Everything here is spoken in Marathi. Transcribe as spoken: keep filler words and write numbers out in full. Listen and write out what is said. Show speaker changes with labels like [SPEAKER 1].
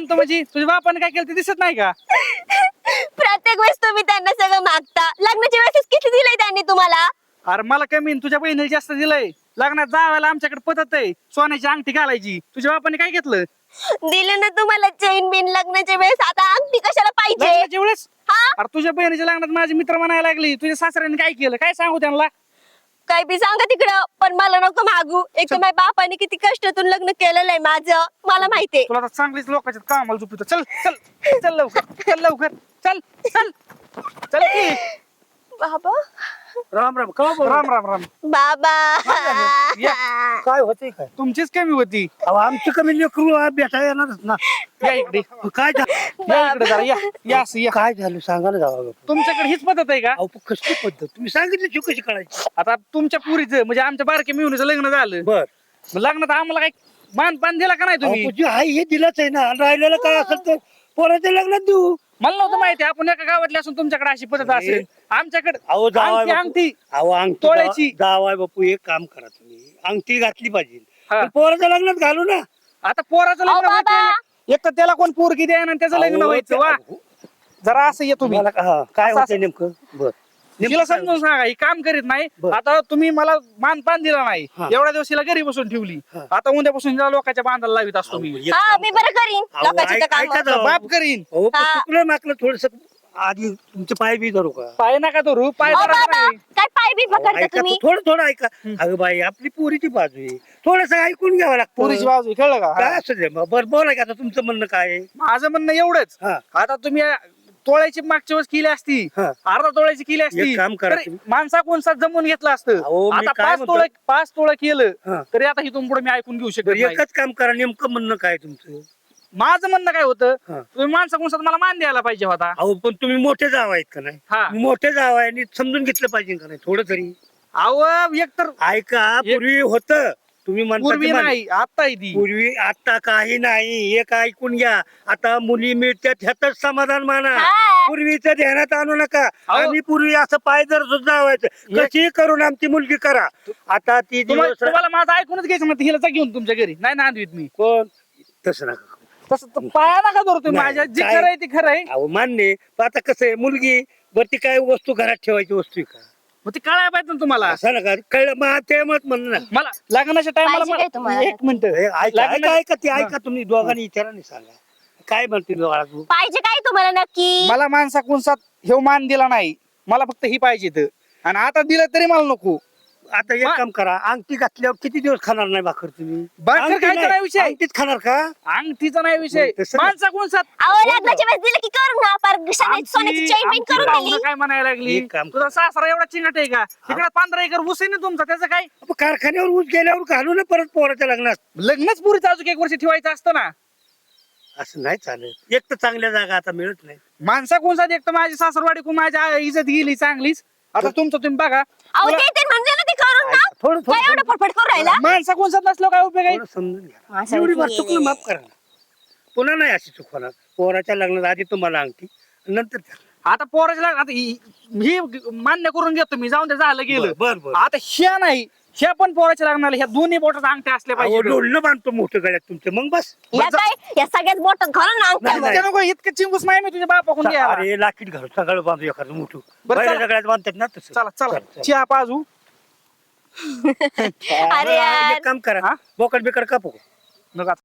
[SPEAKER 1] मानतो म्हणजे तुझ्या बापाने काय केलं ते दिसत नाही का?
[SPEAKER 2] प्रत्येक वेळेस तुम्ही त्यांना सगळं मागता. लग्नाच्या वेळेस किती दिलंय त्यांनी तुम्हाला?
[SPEAKER 1] अरे मला कमी तुझ्या बहिणीला जास्त दिलंय. लग्नात जावायला आमच्याकडे पद्धत आहे सोन्याची अंगठी घालायची. तुझ्या बापाने काय घेतलं?
[SPEAKER 2] दिलं ना तुम्हाला चेन बिन लग्नाच्या वेळेस. आता अंगठी कशाला पाहिजे?
[SPEAKER 1] लग्नाच्या वेळेस
[SPEAKER 2] हा
[SPEAKER 1] अरे तुझ्या बहिणीच्या लग्नात माझे मित्र म्हणायला लागली तुझ्या सासऱ्याने काय केलं काय सांगू त्यांना?
[SPEAKER 2] काय बी सांगा तिकडं, पण मला नको मागू. एक तर माझ्या बापाने किती कष्टातून लग्न केलेलं आहे माझं, मला माहितीये.
[SPEAKER 1] तुला तर चांगलीच लोकांच्या कामाला झोपितो. चल चल चल लवकर चल लवकर चल चल चल की.
[SPEAKER 2] बाबा
[SPEAKER 3] राम राम का बोल
[SPEAKER 1] राम राम राम.
[SPEAKER 2] बाबा
[SPEAKER 1] या.
[SPEAKER 3] काय होते काय
[SPEAKER 1] तुमचीच कमी होती.
[SPEAKER 3] अहो आमची कमी लेकरू आ, भेटा येणारच ना.
[SPEAKER 1] या इकडे
[SPEAKER 3] काय झा-
[SPEAKER 1] या इकडे जरा या या असं या.
[SPEAKER 3] काय झालं सांगा ना जावा
[SPEAKER 1] तुमच्याकडे हीच पद्धत आहे का?
[SPEAKER 3] अहो पण कसली पद्धत तुम्ही सांगितली शिव कशी काढायची.
[SPEAKER 1] आता तुमच्या पुरीचं म्हणजे आमच्या बारक्या मिळून लग्न झालं
[SPEAKER 3] बर
[SPEAKER 1] मग लग्नात आम्हाला काय मान पान दिला का नाही तुम्ही?
[SPEAKER 3] तुझी आई हे दिलंच आहे ना आणि राहिलेलं काय असेल तर पोराच्या लग्नात देऊ.
[SPEAKER 1] मला नव्हतं माहिती आपण एका गावातले असून तुमच्याकडे अशी पद्धत असेल. आमच्याकडे
[SPEAKER 3] अहो जावाय
[SPEAKER 1] अंगठी
[SPEAKER 3] बापू
[SPEAKER 1] अंगठी
[SPEAKER 3] अहो अंगठी
[SPEAKER 1] तोळ्याची.
[SPEAKER 3] जाव- जावाय बापू एक काम करा तुम्ही अंगठी घातली पाहिजे
[SPEAKER 1] हा.
[SPEAKER 3] पण पोराच्या लग्नात घालू ना.
[SPEAKER 1] आता पोराचं
[SPEAKER 2] अहो,
[SPEAKER 1] लग्न
[SPEAKER 2] बाबा.
[SPEAKER 1] व्हायचं एक तर त्याला कोण पोरगी द्या आणि त्याचं लग्न
[SPEAKER 3] अहो,
[SPEAKER 1] व्हायचं वा
[SPEAKER 3] ते-
[SPEAKER 1] जरा असं ये तुम्ही
[SPEAKER 3] तुम्हाला का- हा, काय
[SPEAKER 1] असं-
[SPEAKER 3] होतंय नेमकं बर
[SPEAKER 1] तिला
[SPEAKER 3] नेमकं काय
[SPEAKER 1] समजून सांगा ही काम करीत नाही.
[SPEAKER 3] बरं.
[SPEAKER 1] आता तुम्ही मला मानपान दिला नाही
[SPEAKER 3] हा.
[SPEAKER 1] एवढ्या दिवस हिला घरी बसून ठेवली.
[SPEAKER 3] हा.
[SPEAKER 1] आता उद्यापासून हिला लोकांच्या बांधायला लावित असतो
[SPEAKER 3] अहो,
[SPEAKER 1] मी.
[SPEAKER 3] एक
[SPEAKER 2] हा
[SPEAKER 3] काम
[SPEAKER 2] मी बरं करीन
[SPEAKER 3] अहो,
[SPEAKER 2] लोकांची
[SPEAKER 3] ऐक-
[SPEAKER 2] तर
[SPEAKER 3] ऐका
[SPEAKER 2] कामं.
[SPEAKER 3] जावं.
[SPEAKER 1] बाप करीन.
[SPEAKER 3] हो पण
[SPEAKER 2] हा.
[SPEAKER 3] चुकलं माकलं थोडस आधी तुमचे पाय बी धरू का.
[SPEAKER 1] पाय नका तो रूप पाय
[SPEAKER 2] अहो,
[SPEAKER 1] धरा
[SPEAKER 2] बाबा
[SPEAKER 1] नाही.
[SPEAKER 2] काय पाय बी
[SPEAKER 3] अहो,
[SPEAKER 2] पकडता
[SPEAKER 3] ऐका
[SPEAKER 2] तुम्ही?
[SPEAKER 3] तर, थोडं थोडं ऐका अगं बाई आपली पोरीची बाजू आहे थोडस ऐकून घ्यावं लागतं.
[SPEAKER 1] पोरीची बाजू कळलं का?
[SPEAKER 3] काय
[SPEAKER 1] हा.
[SPEAKER 3] असू दे मग. बरं बोला की आता तुमचं म्हणणं काय आहे.
[SPEAKER 1] माझं म्हणणं एवढंच.
[SPEAKER 3] हा
[SPEAKER 1] आता तुम्ही तोळ्याची मागच्या वेळेस केली असती
[SPEAKER 3] हा.
[SPEAKER 1] अर्धा तोळ्याची केली असती
[SPEAKER 3] एक काम करा
[SPEAKER 1] तरी
[SPEAKER 3] तुम्ही.
[SPEAKER 1] माणसा कोणसा जमून घेतलं असतं.
[SPEAKER 3] अहो, मी
[SPEAKER 1] आता
[SPEAKER 3] काय
[SPEAKER 1] पाच
[SPEAKER 3] म्हणतो-
[SPEAKER 1] तोळ पाच तोळ केलं
[SPEAKER 3] हा.
[SPEAKER 1] तरी आता इथून पुढे मी ऐकून घेऊ शकत
[SPEAKER 3] बरं,
[SPEAKER 1] नाही.
[SPEAKER 3] एकच काम करा नेमकं म्हणणं काय तुमचं.
[SPEAKER 1] माझं म्हणणं काय होतं
[SPEAKER 3] हा.
[SPEAKER 1] तुम्ही माणसा कोणसा मला मान द्यायला पाहिजे होता.
[SPEAKER 3] अहो पण तुम्ही मोठे जाव आहेत का नाही.
[SPEAKER 1] हा
[SPEAKER 3] मोठे जाव आहे आणि समजून घेतलं पाहिजे का नाही थोडं तरी.
[SPEAKER 1] अहो एक तर
[SPEAKER 3] ऐका
[SPEAKER 1] एक-
[SPEAKER 3] पूर्वी होत तुम्ही म्हणता
[SPEAKER 1] पूर्वी
[SPEAKER 3] ते मान-
[SPEAKER 1] नाही आता ती
[SPEAKER 3] पूर्वी आता काही नाही एक ऐकून घ्या आता मुली मिळतात ह्यातच समाधान माना.
[SPEAKER 2] हा.
[SPEAKER 3] पूर्वीचं ध्यानात आणू नका.
[SPEAKER 1] अहो.
[SPEAKER 3] आम्ही पूर्वी असं पाय जर सुद्धा व्हायचं कशी करून आमची मुलगी करा. आता ती
[SPEAKER 1] तुम्हा-
[SPEAKER 3] दिवस
[SPEAKER 1] तुम्हाला माझं ऐकूनच घ्यायचं म्हणते हिला जा घेऊन तुमच्या घरी नाही नांदवीत मी
[SPEAKER 3] कोण तसं नका करू.
[SPEAKER 1] तसं तर पाया नका धरू तुम्ही
[SPEAKER 3] नाही,
[SPEAKER 1] माझ्या जे
[SPEAKER 3] काय-
[SPEAKER 1] खरं आहे ते खरं आहे.
[SPEAKER 3] अहो मान्य आहे. पण आता कसं आहे मुलगी बर ती काय वस्तू घरात ठेवायची वस्तू आहे का
[SPEAKER 1] मग ते कळायला पाहिजे ना तुम्हाला.
[SPEAKER 3] असं नका कळलं मग ते मत म्हणणं ना.
[SPEAKER 1] मला लग्नाच्या
[SPEAKER 2] पाहिजे काय
[SPEAKER 1] टायमाला
[SPEAKER 2] तुम्हाला?
[SPEAKER 1] एक मिनिट
[SPEAKER 3] हे ऐका
[SPEAKER 1] लग्न-
[SPEAKER 3] ऐका ऐका ते ऐका तुम्ही दोघांनी विचाराने सांगा काय म्हणतील बाळा तू.
[SPEAKER 2] पाहिजे काय तुम्हाला नक्की?
[SPEAKER 1] मला माणसा कोणसा हे मान दिला नाही मला फक्त ही पाहिजे इथं. आणि आता दिलं तरी मला नको.
[SPEAKER 3] आता एक
[SPEAKER 1] मा-
[SPEAKER 3] काम करा अंगठी घातल्यावर किती दिवस खाणार नाही भाकर तुम्ही.
[SPEAKER 1] भाकर
[SPEAKER 3] अंगठी
[SPEAKER 1] खायचा नाही विषय.
[SPEAKER 3] अंगठीत खाणार का.
[SPEAKER 1] अंगठीचा नाही विषय
[SPEAKER 3] मग तसं नाही.
[SPEAKER 1] माणसा कोणसा
[SPEAKER 2] अहो लग्नाच्या वेळेस दिलं की करून ना पार सोन्याची सोन्याची चेन बिन करून दिली.
[SPEAKER 1] काय म्हणायला लागली
[SPEAKER 3] एक काम
[SPEAKER 1] तुझा सासरा एवढा चिंगट आहे का तिकडे पंधरा एकर ऊस आहे ना तुमचा त्याचं काय
[SPEAKER 3] आपण कारखान्यावर ऊस गेल्यावर घालू ना परत पोराच्या लग्नात.
[SPEAKER 1] लग्नच पुरीचं अजून एक वर्ष ठेवायचं असतं ना.
[SPEAKER 3] असं नाही चालेल एक तर चांगल्या जागा आता मिळत नाही.
[SPEAKER 1] माणसा कोणसा एक तर माझी सासरवाडी कोण माझ्या इज्जत गेली चांगलीच. आता तुमचं तुम्ही बघा
[SPEAKER 2] अहो
[SPEAKER 1] तुला-
[SPEAKER 2] ते ते म्हणले ना ते करून ना.
[SPEAKER 3] थोडं
[SPEAKER 2] काय एवढं
[SPEAKER 3] थोडं
[SPEAKER 2] फटफट करून राहिला?
[SPEAKER 1] माणसा कोणसा नसलो काय उपयोग आहे.
[SPEAKER 3] थोडं समजून घ्या
[SPEAKER 2] माणसाची
[SPEAKER 3] एवढी बार
[SPEAKER 2] ये-
[SPEAKER 3] चुकलं माफ करा ना. पुन्हा नाही अशी चूक होणार. पोराच्या लग्नात आधी तुम्हाला अंगठी नंतर त्या-
[SPEAKER 1] आता पोराच्या लग्न- आता ही ही मान्य करून घेतो मी जाऊन ते झालं गेलं.
[SPEAKER 3] बर बर
[SPEAKER 1] आता ह्या नाही ह्या पण पोराच्या लग्नाला ह्या दोन्ही बोटात अंगठ्या असल्या
[SPEAKER 3] अहो,
[SPEAKER 1] पाहिजे.
[SPEAKER 3] डोलणं बांधतो मोठं गळ्यात तुमचं मग बस.
[SPEAKER 2] या काय या सगळ्याच बोटात घालून ना अंगठ्या
[SPEAKER 3] नाही,
[SPEAKER 2] मग.
[SPEAKER 1] त्या नको इतकं चिंगूस नाही मी तुझ्या बापाकडून घ्यायला.
[SPEAKER 3] अरे लाकीट घालू सगळं बांधू एखादं मोठं
[SPEAKER 1] बरं,
[SPEAKER 3] पहिल्या
[SPEAKER 1] चला.
[SPEAKER 3] सगळ्यात बांधतात ना तसं.
[SPEAKER 1] चला चला
[SPEAKER 3] चला.
[SPEAKER 1] चहा पाजू.
[SPEAKER 2] अरे
[SPEAKER 3] बरं,
[SPEAKER 2] यार.
[SPEAKER 3] एक काम करा
[SPEAKER 1] हा?
[SPEAKER 3] बोकड बिकड कापू.
[SPEAKER 1] नका